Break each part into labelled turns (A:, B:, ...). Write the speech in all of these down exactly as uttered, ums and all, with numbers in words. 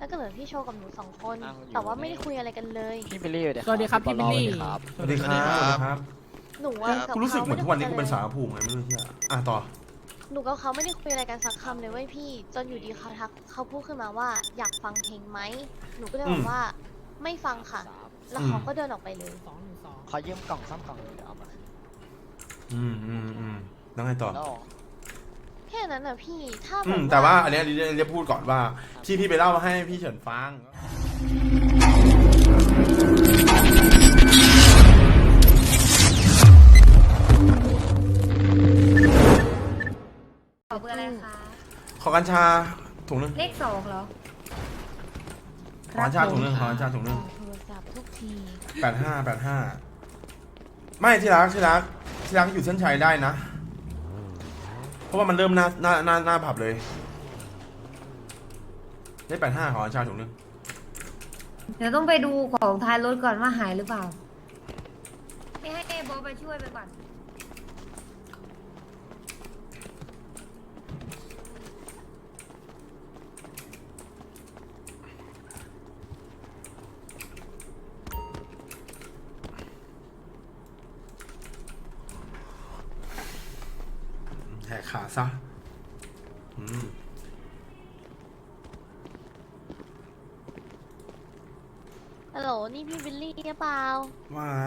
A: แล้วก็เหลือพี่โชว์กับหนูสองคน แต่ว่าไม่ได้คุยอะไรกันเลย
B: พี่บิลลี่เดี๋ยว
C: สวัสดีครับพี่บิลลี่
D: สวัสดีครับ ครับ
A: หนูว่ากับ
D: กูรู้สึก
A: เขา
D: เหมื
A: ไม่
D: อน
A: ได้
D: ทุกวันนี้
A: คุ
D: กู
A: ย
D: เป็น
A: กั
D: สาน วผูกไงไม่รู้เชี่ยอ่ะต่อ
A: หนูกับเขาไม่ได้คุยอะไรกันสักคำเลยเว้ยพี่ จนอยู่ดีเขาทักเขาพูดขึ้นมาว่าอยากฟังเพลงไหม หนูก็เลยบอกว่าไม่ฟังค่ะ แล้วเขาก็เดินออกไปเลย
C: สองหนึ่งสอง
B: ขอยืมกล่องซ่อมกล่องเดี๋ยวเอามา
D: อืมอืมอืมแล้วไงต่อ
B: แล้ว
A: แค่นั้นน่ะพี่ ถ้าแบ
D: อื
A: บ
D: มแต่ว่าอันเนี้ยเรียกเรียกพูดก่อนว่าที่พี่ไปเล่าให้พี่เฉินฟัง
E: ขอเบอร์อะไรคะ
D: ขอกัญชาถุงหนึง
E: เลขสองเหรอ
D: ขอกัญชาถุงหนึงขอกัญชาถุงหนึง
A: โทรศัพท์ทุกที
D: แปดห้าแปดห้าไม่ที่รักที่รักที่รักอยู่เส้นชัยได้นะ เพราะว่ามันเริ่มหน้าหน้าหน้าหน้าผับเลยได้แปดห้าขอกัญชาถุงหนึง
E: เดี๋ยวต้องไปดูของท้ายรถก่อนว่าหายหรือเปล่าให้ให้เอโบทไปช่วยไปก่อน
D: แหกขาซะอืม
A: ฮัลโหล นี่พี่บิลลี่หรือเปล่า
D: ว่าไง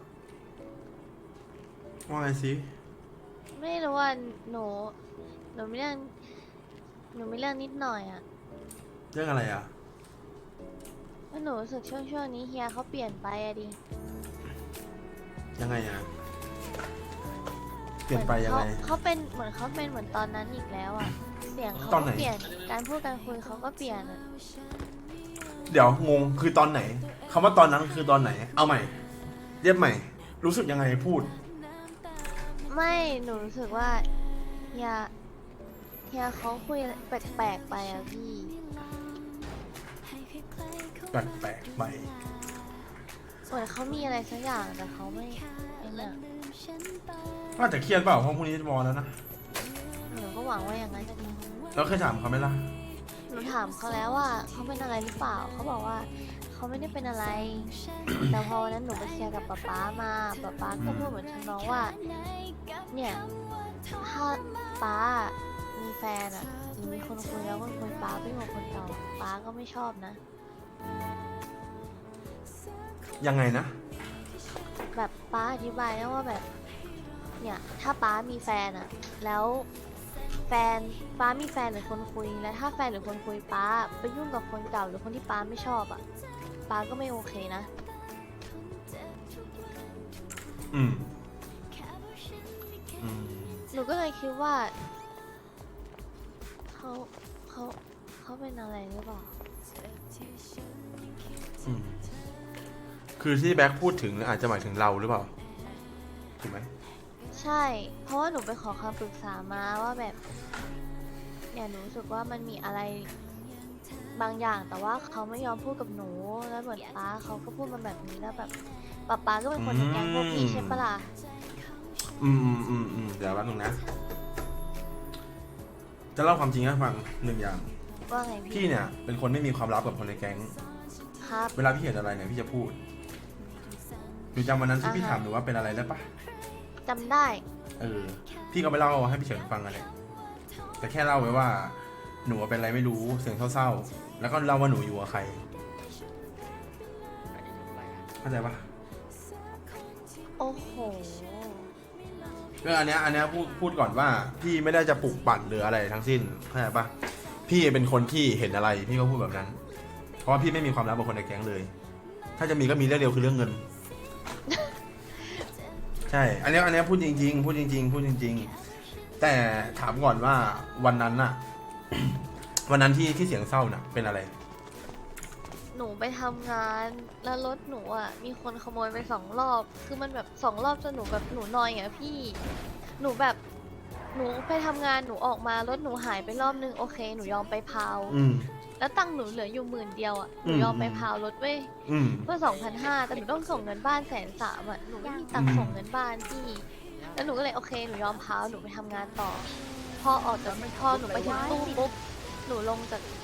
D: ว่าไงสิ
A: ไม่รู้ว่าหนู หนูไม่เรื่อง หนูไม่เรื่องนิดหน่อยอะ
D: เรื่องอะไรอ่ะ
A: ว่าหนูรู้สึกช่วงช่วงนี้เฮียเขาเปลี่ยนไปอะดิ
D: ยังไงอ่ะเปลี่ยนไปยังไง
A: เขาเขาเป็นเหมือนเขาเป็นเหมือนตอนนั้นอีกแล้วอะเสียงเขา
D: ตอน
A: ก็
D: ไหน
A: เปลี่ยน การพูดการคุยเขาก็เปลี่ยนอะ
D: เดี๋ยวงงคือตอนไหนคำว่าตอนนั้นคือตอนไหน เอาใหม่ เรียบใหม่ รู้สึกยังไงพูด
A: ไม่หนูรู้สึกว่าเฮียเฮียเขาคุยแปลกๆไปอะพี่
D: แปลกๆไป
A: เหมือนเขามีอะไรสักอย่างแต่เขาไม่ไอ้เนี่ย
D: น่าจะเครียดเปล่าเพราะพรุ่งนี้จะบอลแล้วนะ
A: หนูก็หวังว่าอย่างนั้นจะดี
D: แล้วเคยถามเขาไหมล่ะ
A: หนูถามเขาแล้วว่าเขาเป็นอะไรหรือเปล่าเขาบอกว่าเขาไม่ได้เป็นอะไร แต่พอวันนั้นหนูไปเคลียร์กับป๊าป๊ามาป๊าป๊าก็พูดเหมือนทำน้องว่า เนี่ยถ้าป๊ามีแฟนอะหรือมีคนคุยแล้วคนคุยป๊าไม่เหมือนคนเก่าป๊าก็ไม่ชอบนะ
D: ยังไงนะ
A: แบบป๊าอธิบายนะว่าแบบ เนี่ยถ้าป๊ามีแฟนอะแล้วแฟนป๊ามีแฟนหรือคนคุยแล้วถ้าแฟนหรือคนคุยป๊าไปยุ่งกับคนเก่าหรือคนที่ป๊าไม่ชอบอะป๊าก็ไม่โอเคนะ
D: อืมอืม
A: หนูก็เลยคิดว่าเขาเขาเขาเป็นอะไรหรือเปล่า
D: อืมคือที่แบ็คพูดถึงอาจจะหมายถึงเราหรือเปล่าถูกไหม
A: ใช่ เพราะว่าหนูไปขอคำปรึกษามาว่าแบบเนี่ยหนูรู้สึกว่ามันมีอะไรบางอย่างแต่ว่าเขาไม่ยอมพูดกับหนูแล้วเหมือนป้าเขาก็พูดมาแบบนี้แล้วแบบป้าป้าก็เป็นคนในแก๊งพวกพี่ใช่ปะล่ะ
D: อืมอืมอืมอืมเดี๋ยวแป๊บนึงนะ จะเล่าความจริงให้ฟังหนึ่งอย่าง
A: ว่าไง
D: พี่
A: พี่
D: เนี่ยเป็นคนไม่มีความลับกับคนในแก๊ง
A: ครับ
D: เวลาพี่เห็นอะไรเนี่ยพี่จะพูดหนูจำวันนั้นที่
A: อ่าฮะ
D: พี่ถามหนูว่าเป็นอะไรได้ปะ
A: จำได้
D: เออ พี่ก็ไปเล่าให้พี่เฉินฟังกันเลยแต่แค่เล่าไว้ว่า หนูเป็นอะไรไม่รู้เสียงเศร้าๆ แล้วก็เล่าว่าหนูอยู่กับใคร เข้าใจปะ
A: โอ้โห
D: ก็อันเนี้ยอันเนี้ยพูดพูดก่อนว่าพี่ไม่ได้จะปลุกปั่นหรืออะไรทั้งสิ้นเข้าใจปะพี่เป็นคนที่เห็นอะไรพี่ก็พูดแบบนั้น เพราะว่าพี่ไม่มีความลับกับคนในแก๊งเลย ถ้าจะมีก็มีเรื่องเดียวคือเรื่องเงิน ใช่ อันเนี้ยอันเนี้ยพูดจริงๆ พูดจริงๆ พูดจริงๆ แต่ถามก่อนว่าวันนั้นน่ะ วันนั้นที่ที่เสียงเศร้าน่ะ เป็นอะไร
A: หนูไปทำงานแล้วรถหนูอ่ะมีคนขโมยไปสองรอบ คือมันแบบสองรอบจนหนูแบบหนูนอยอ่ะพี่ หนูแบบหนูไปทำงานหนูออกมารถหนูหายไปรอบนึงโอเค หนูยอมไปพาว
D: อืม
A: แล้วตังค์หนูเหลืออยู่หมื่นเดียวอ่ะ หนู
D: อืม
A: ยอมไปพาวรถเว้ย
D: อืม
A: เพื่อสองพันห้าแต่หนูต้องส่งเงินบ้านแสนสามอ่ะ หนูไม่มีตังค์ส่งเงินบ้านพี่ แล้วหนูก็เลยโอเค หนูยอมพาวหนูไปทำงานต่อ พอออกจากพอหนูไปถึงตู้ปุ๊บ หนูลงจาก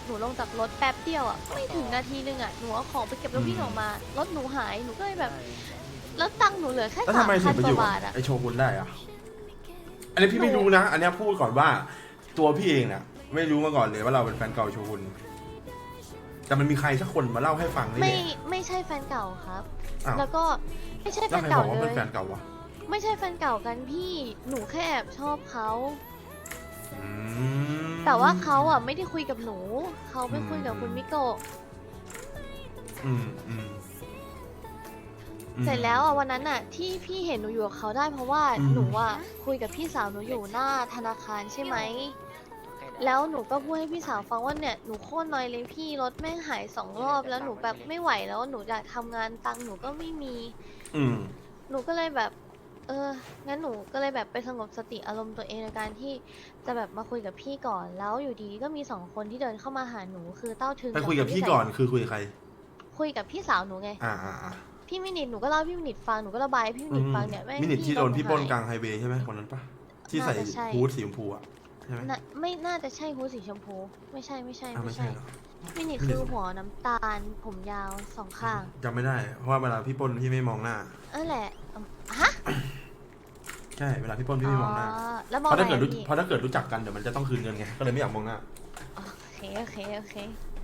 A: หนูลงจากรถแป๊บเดียวอ่ะไม่ถึงนาทีนึงอ่ะหนูเอาของไปเก็บแล้ววิ่งออกมารถหนูหายหนูก็เลยแบบแล้วตังค์หนูเหลือแค่
D: แล้ว
A: สา
D: ทำ
A: ม
D: ไมถึ
A: พั
D: ง
A: น
D: ไป
A: ก
D: อยู่
A: ว่า
D: กับบ
A: าทอ่ะ
D: ไอโชกุนได้อะอันนี้พี่ไม่รู้นะ อันนี้พูดก่อนว่า ตัวพี่เองน่ะ ไม่รู้มาก่อนเลยว่าเราเป็นแฟนเก่าโชกุนแต่มันมีใครสักคนมาเล่าให้ฟังนี่
A: ไม่
D: แหละ
A: ไม่ใช่แฟนเก่าครับ
D: อ้าว
A: แล้วก็ไม่ใช่แฟ
D: แล้ว
A: น
D: ใครบ
A: เก่า
D: อกว่า
A: เล
D: เป็น
A: ย
D: แฟนเก่าวะ
A: ไม่ใช่แฟนเก่ากันพี่หนูแค่แอบชอบเขา
D: อืม
A: แต่ว่าเขาอ่ะไม่ได้คุยกับหนูเขาไปคุยกับคุณมิโกะ
D: อืมอืมอืม
A: เสร็จแล้วอ่ะวันนั้นอ่ะที่พี่เห็นหนูอยู่กับเขาได้เพราะว่า
D: อืม
A: หนูอ่ะคุยกับพี่สาวหนูอยู่หน้าธนาคารใช่ไหมแล้วหนูก็พูดให้พี่สาวฟังว่าเนี่ยหนูโคตรนอยเลยพี่รถแม่งหายสองรอบแล้วหนูแบบไม่ไหวแล้วหนูอยากทำงานตังค์หนูก็ไม่มี
D: อืม
A: หนูก็เลยแบบ เออ งั้นหนูก็เลยแบบไปสงบสติอารมณ์ตัวเองในการที่จะแบบมาคุยกับพี่ก่อน แล้วอยู่ดีก็มีสองคนที่เดินเข้ามาหาหนูคือเต้าถึง
D: ไปคุยกับ
A: น
D: พี่
A: ที่ใส่
D: ก่อนคือคุยกับใคร
A: คุยกับพี่สาวหนูไง
D: อ่าอ่าอ่า
A: พี่มินิทหนูก็เล่าให้พี่มินิทฟัง หนูก็ระบายให้พี่มินิทฟังเนี่ยแม่ง
D: มินิทที่โดนพี่ปล้นก
A: ลา
D: ลางไฮเวย์ใช่ไหมคนนั้นปะที่ใส่
A: น่าจะใช่
D: ฮูดสีชมพูอะใช่ไหม
A: น่ะไม่น่าจะใช่ฮูดสีชมพู ไม่ใช่ไม่ใช่
D: อ่า
A: ไม่
D: ไม่
A: ใช่
D: ใช่เหรอ
A: มินิทคือหัวน้ำตาล ผมยาวสองข้าง
D: จำไม่ได้ เพราะว่าเวลาพี่ปล้นพี่ไม่มองหน้า
A: นั่นแหละอืมฮะ
D: ใช่เวลาพี่ปล้นพี่ไม่มองหน้า
A: แล้วม
D: เพ
A: อง
D: ราะถ้าเกิด
A: อะไร
D: รู้
A: พี่
D: เพราะถ้าเกิดรู้จักกันเดี๋ยวมันจะต้องคืนเงินไงก็เลยไม่อยากมองหน้า
A: โอเคโอเคโอเค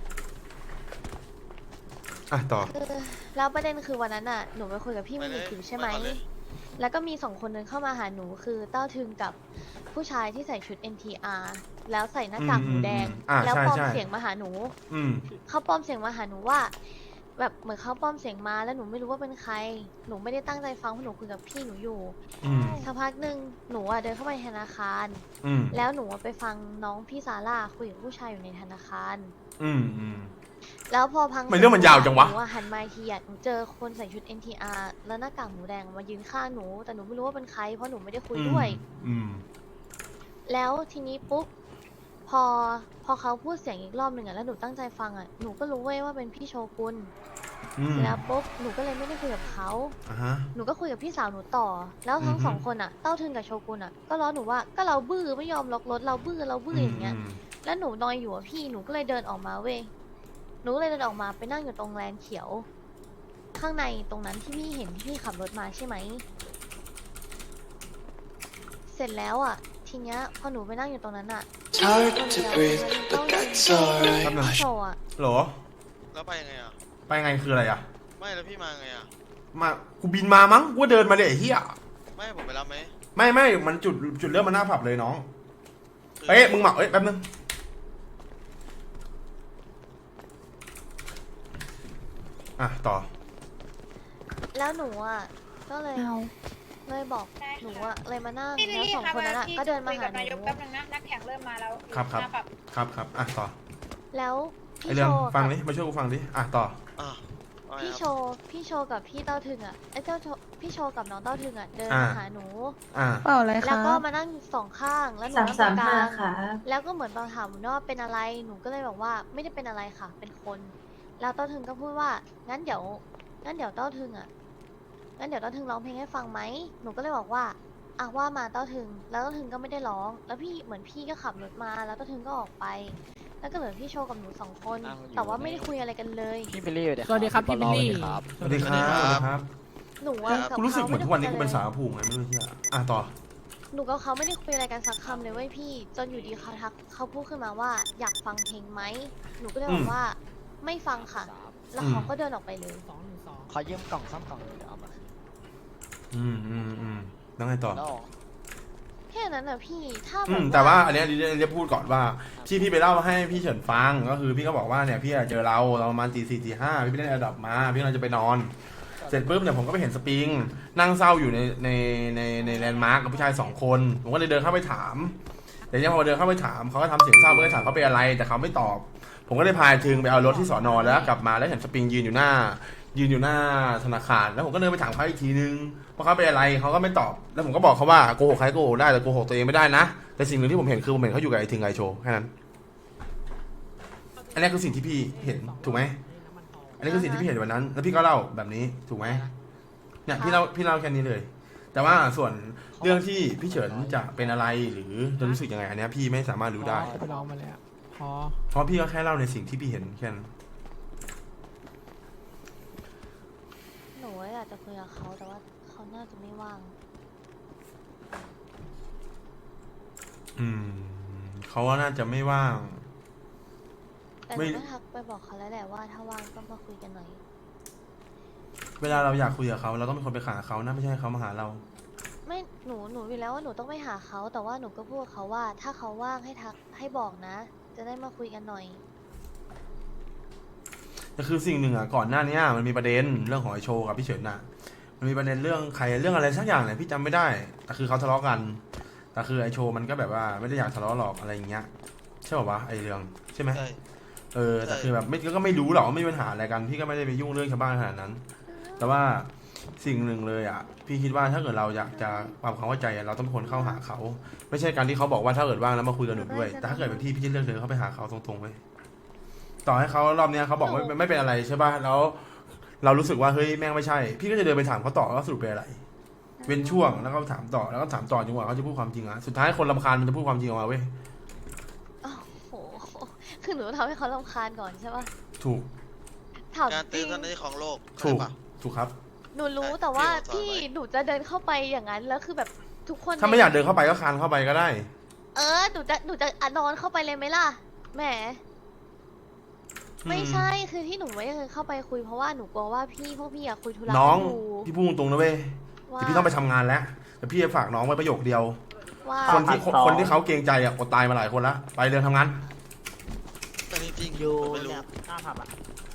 D: อ่ะต่อ
A: คือแล้วประเด็นคือวันนั้นอ่ะหนูไปคุยกับพี่มินิทอยู่ใช่ไหม แล้วก็มีสองคนเดินเข้ามาหาหนูคือเต้าทึงกับผู้ชายที่ใส่ชุด เอ็น ที อาร์ แล้วใส่หน้ากาก
D: อืม
A: หมูแดง
D: อ่า
A: แล้ว
D: ใช่
A: ปลอม
D: ใช่
A: เสียงมาหาหนู
D: อืม
A: เขาปลอมเสียงมาหาหนูว่า แบบเหมือนเขาปลอมเสียงมาแล้วหนูไม่รู้ว่าเป็นใคร หนูไม่ได้ตั้งใจฟังเพราะหนูคุยกับพี่หนูอยู่
D: อืม
A: สักพักหนึ่งหนูอ่ะเดินเข้าไปในธนาคาร
D: อืม
A: แล้วหนูอะไปฟังน้องพี่ซาร่าคุยกับผู้ชายอยู่ในธนาคาร
D: อืมอืม
A: แล้วพอพัง
D: ทำไมเรื่องมันยาวจังวะ
A: หนูอหันมาอีกทีอ่ะหนูเจอคนใส่ชุด เอ็น ที อาร์ แล้วหน้ากากหมูแดงมายืนข้างหนู แต่หนูไม่รู้ว่าเป็นใครเพราะหนูไม่ได้คุยด้วย
D: อืม
A: แล้วทีนี้ปุ๊บพอพอเขาพูดเสียงอีกรอบหนึ่งอ่ะแล้วหนูตั้งใจฟังอ่ะหนูก็รู้เว้ยว่าเป็นพี่โชกุน
D: อืม
A: เสร็จแล้วปุ๊บหนูก็เลยไม่ได้คุยกับเขา
D: อ่าฮะ
A: หนูก็คุยกับพี่สาวหนูต่อ แล้วทั้ง
D: อือฮึ
A: สองคนอ่ะเต้าทึงกับโชกุนอ่ะก็ล้อหนูว่าก็เราบื้อไม่ยอมล็อกรถเราบื้อเราบื้ออย่างเงี้ย
D: ม
A: แล้วหนูนอยอยู่อะพี่หนูก็เลยเดินออกมาเว้ยหนูก็เลยเดินออกมาไปนั่งอยู่ตรงแลนเขียว ข้างในตรงนั้นที่พี่เห็นที่พี่ขับรถมาใช่ไหมเสร็จแล้วอ่ะ ทีเนี้ยพอหนูไปนั่งอยู่ตรงนั้นอ่ะ
B: It's hard to breathe, but that's alright.
D: แป๊บนึง
A: พี่โชว์อ่ะ
D: เหรอ
C: แล้วไปยังไงอ่ะ
D: ไปไงคืออะไรอ่ะ
C: ไม่แล้วพี่มาไงอ่ะ
D: มา กูบินมามั้ง กูเดินมาเดี๋ยวไอ้เหี้ย
C: ไม่ให้ผมไปรับไหม
D: ไม่ไม่ มันจุดจุดเริ่มมันหน้าผับเลยน้อง
C: คือ
D: เอ้ย มึงหมักเอ้ย แป๊บนึง อ่ะ ต่อ
A: แล้วหนูอ่ะก็เลยเลยบอกหนูอ่ะเลยมานั่งแล้วสองคนนั้นอ่ะก็เดินมาหาห
F: นายก
A: นู
F: แป๊บนึงนะนักแข่งเริ่มมาแล้ว
D: ครับครับ
F: หน้าป
D: ครับครับอ่ะ ต่อ
A: แล้ว
D: ไอ
A: พี่
D: เรื่
A: โช
D: อง
A: ว์
D: ฟัง
A: กับ
D: ดิ มาช่วยกูฟังดิ อ่ะ ต่อ
C: อ่ะว่าไง
A: พี่
C: ค
A: โช
C: รับ
A: ว์พี่โชว์กับพี่เต้าถึงอ่ะไอ้เจ้าโชว์พี่โชว์กับน้องเต้าถึงอ่ะเดิน
D: อ่า
A: มาหาหนู
D: อ่ะ
G: เปล่าอะไร
A: แล้ว
G: คะ
A: ก็มานั่งสองข้างแล้วหนู
H: สาม
A: นั่งต
H: สา
A: รงก
H: มห้า
A: ลาง
H: ค่ะ
A: แล้วก็เหมือนตอนถามหนูว่าเป็นอะไรหนูก็เลยบอกว่าไม่ได้เป็นอะไรค่ะ เป็นคน แล้วเต้าถึงก็พูดว่างั้นเดี๋ยวงั้นเดี๋ยวเต้าถึงอ่ะงั้นเดี๋ยวเต้าถึงร้องเพลงให้ฟังไหมหนูก็เลยบอกว่าอ่ะว่ามาเต้าถึงแล้วเต้าถึงก็ไม่ได้ร้อง แล้วพี่เหมือนพี่ก็ขับรถมาแล้วเต้าถึงก็ออกไป แล้วก็เหลือพี่โชว์กับหนูสองคน แต่ว่าไม่ได้คุยอะไรกันเลย
I: พี่บิลลี่เดี๋ยว
G: สวัสดีครับพี่บิลลี่
I: ครับ
D: สวัสดีครับสวัสดีครับ
A: หนูอะบ
D: กูรู้สึกเหมือนทุกวันนี้กูเป็นสาว
A: ขไม่ได้คุย
D: ผูกไงไม่รู้เที่ยอ่ะ ต่อ
A: หนูกับเขาไม่ได้คุยอะไรกันสักคำเลยเว้ยพี่ จนอยู่ดีเขาทักเขาพูดขึ้นมาว่าอยากฟังเพลงไหมหนูก็เลยบอ
D: อื
A: ก
D: ม
A: ว่าไม่ฟังค่ะ แล้วเขาก็เดินออกไปเลย
I: ขอยืมกล่องซ่อมกล่องหน่อยเดี๋ยวเอามา
D: อืมอืมอืมแล้วไงต่อ
I: แล้ว
A: แค่นั้นอะพี่ถ้า
D: อื
A: แบ
D: ม
A: บ
D: แต่ว่าอันเนี้ยเรียกพูดก่อนว่าที่พี่ไปเล่าให้พี่เฉินฟังก็คือพี่ก็บอกว่าเนี่ยพี่อะเจอเราเราประมาณตีสี่ตีห้าพี่ไปเล่นแอร์ดรอปมาพี่กำลังจะไปนอน เสร็จปุ๊บเนี่ยผมก็ไปเห็นสปริงนั่งเศร้าอยู่ในในในในแลนด์มาร์กกับผู้ชายสองคนผมก็เลยเดินเข้าไปถามแต่เนี่ยพอเดินเข้าไปถามเขาก็ทำเสียงเศร้าก็เลยถามเขาเป็นอะไรแต่เขาไม่ตอบ ผมก็เลยพาถึงไปเอารถที่สอนอแล้วกลับมาแล้วเห็นสปริงยืนอยู่หน้า ยืนอยู่หน้าธนาคารแล้วผมก็เดินไปถามเขาอีกทีนึงว่าเขาเป็นอะไรเขาก็ไม่ตอบแล้วผมก็บอกเขาว่าโกหกใครโกหกได้แต่โกหกตัวเองไม่ได้นะแต่สิ่งหนึ่งที่ผมเห็นคือผมเห็นเขาอยู่กับไอ้ทิงไอโชแค่นั้นอันนี้คือสิ่งที่พี่เห็นถูกไหมอันนี้คือสิ่งที่พี่เห็นวันนั้น แล้วพี่ก็เล่าแบบนี้ถูกไหมเนี่ยพี่เล่าพี่เล่าแค่นี้เลย แต่ว่าส่วนเรื่องที่พี่เฉินจะเป็นอะไรหรือจะรู้สึกยังไงอันเนี้ยพี่ไม่สามารถรู้ได้
G: ไปลองมาแล้ว
D: อ
F: พอ
D: เพราะพี่ก็แค่เล่าในสิ่งที่พี่เห็นแค่นั้น
A: หนูอยากจะคุยกับเขาแต่ว่าเขาน่าจะไม่ว่าง
D: อืมเขาว่าน่าจะไม่ว่าง
A: แต่ห
D: ไม่
A: นูก็ทักไปบอกเขาแล้วแหละว่าถ้าว่างก็มาคุยกันหน่อย
D: เวลาเราอยากคุยกับเขาเราต้องเป็นคนไปหาเขานะไม่ใช่ให้เขามาหาเรา
A: ไม่หนูหนูอยู่แล้วว่าหนูต้องไปหาเขาแต่ว่าหนูก็พูดกับเขาว่า ถ้าเขาว่างให้ทักให้บอกนะ จะได้มาคุยกันหน่อย
D: แต่คือสิ่งหนึ่งอ่ะก่อนหน้านี้มันมีประเด็นเรื่องของไอโชว์กับพี่เฉินน่ะ มันมีประเด็นเรื่องใครเรื่องอะไรสักอย่างเนี่ยพี่จำไม่ได้แต่คือเขาทะเลาะกันแต่คือไอโชว์มันก็แบบว่าไม่ได้อยากทะเลาะหรอกอะไรอย่างเงี้ยใช่ป่าววะไอเรื่องใช่ไหม
C: ใช่
D: เออแต่คือแบบไม่ก็ไม่รู้หรอกว่าไม่มีปัญหาอะไรกันพี่ก็ไม่ได้ไปยุ่งเรื่องชาวบ้านขนาดนั้น แต่ว่าสิ่งหนึ่งเลยอ่ะพี่คิดว่าถ้าเกิดเราอยากจะความความเข้าใจอะเราต้องเป็นคนเข้าหาเขา ไม่ใช่การที่เขาบอกว่าถ้าเกิดว่างแล้วมาคุยกับหนูด้วยแต่ถ้าเกิดเป็นพี่พี่จะเลือกเดินเข้าไปหาเขาตรงๆเลยต่อให้เขารอบเนี้ยเขาบอกว่าไม่ไม่เป็นอะไรใช่ป่ะแล้วเรารู้สึกว่าเฮ้ยแม่งไม่ใช่ พี่ก็จะเดินไปถามเขาต่อว่าสรุปเป็นอะไร เว้นช่วงแล้วก็ถามต่อแล้วก็ถามต่อจนกว่าเขาจะพูดความจริงอะสุดท้ายคนรำคาญมันจะพูดความจริงออกมาเว้ย
A: โอ้โห คือหนูทำให้เขารำคาญก่อนใช่ปะ
D: ถูก
A: ถาม
C: การ
A: จ
C: เตื
A: ริ
C: อน
A: ง
C: ตอนนี้ของโลก
D: ถูก
C: ใช่ปะ
D: ถูกครับ
A: หนูรู้
C: ใช่
A: แต่ว่า
C: ที่
A: พี่
C: เราสอนไว้
A: หนูจะเดินเข้าไปอย่างนั้นแล้วคือแบบทุกคน
D: ถ้าไม่อยากเดินเข้าไปก็คานเข้าไปก็ได้
A: เออหนูจะหนูจะอะนอนเข้าไปเลยไหมล่ะแหมไม่ใช่คือที่หนูไม่ได้เข้าไปคุยเพราะว่าหนูกลัวว่าพี่พวกพี่อยากคุยธุระ
D: น้อง
A: กันอยู่
D: พี่พูดตรงๆนะเว้ย
A: ว่า
D: แต่พี่ต้องไปทำงานแล้วแต่พี่จะฝากน้องไว้ประโยคเดียว
A: ว่า
D: คนที่คนที่เขาเกรงใจอ่ะอดตายมาหลายคนละไปเดินทำงาน
C: แต่จริงๆ
I: อยู่
C: ผมไม่รู้
I: เนี่ยหน้าผับอ่ะ